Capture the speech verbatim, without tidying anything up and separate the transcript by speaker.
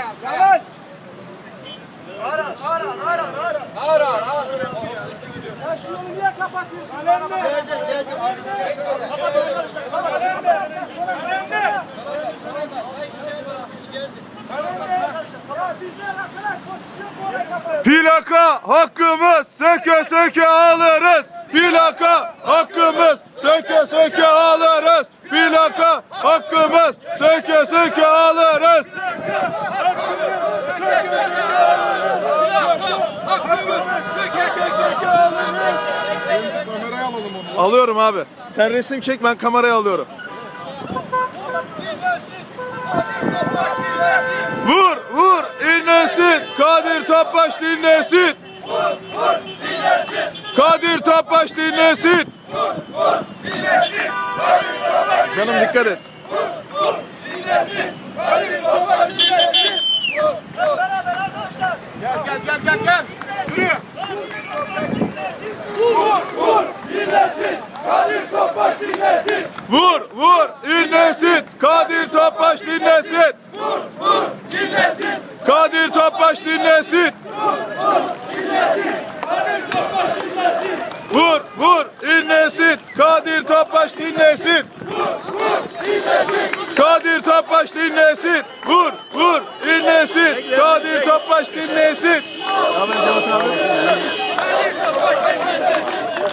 Speaker 1: Yavaş. Ara, ara, ara, ara. Ara, ara. Ya şu yolu niye kapatıyorsun? Önemli. Geldim, geldim. Kapat onu karışma. Kapat. Önemli. Önemli. Ya bizler arkadaş pozisyon oraya kapatıyoruz.
Speaker 2: Plaka hakkımız söke söke alırız. Plaka hakkımız söke söke alırız. Plaka hakkımız söke söke alırız.
Speaker 3: Kameraya alalım onu.
Speaker 2: Alıyorum abi. Sen resim çek, ben kameraya alıyorum. Vur vur inlesin. Kadir Topbaş dinlesin.
Speaker 4: Vur vur dinlesin.
Speaker 2: Kadir Topbaş dinlesin.
Speaker 4: Vur vur dinlesin. Kadir Topbaş
Speaker 2: Canım dikkat et.
Speaker 4: Vur vur dinlesin. Kadir Topbaş dinlesin.
Speaker 1: Beraber arkadaşlar.
Speaker 3: Gel gel gel gel gel. Yürü.
Speaker 4: Vur vur dinlesin. Kadir Topbaş dinlesin.
Speaker 2: Vur vur inlesin. Kadir Topbaş dinlesin.
Speaker 4: Vur vur dinlesin.
Speaker 2: Kadir Topbaş dinlesin. Vur vur inlesin. Kadir Topbaş dinlesin. Kadir Topbaş dinlesin. Vur vur inlesin. Kadir Topbaş dinlesin.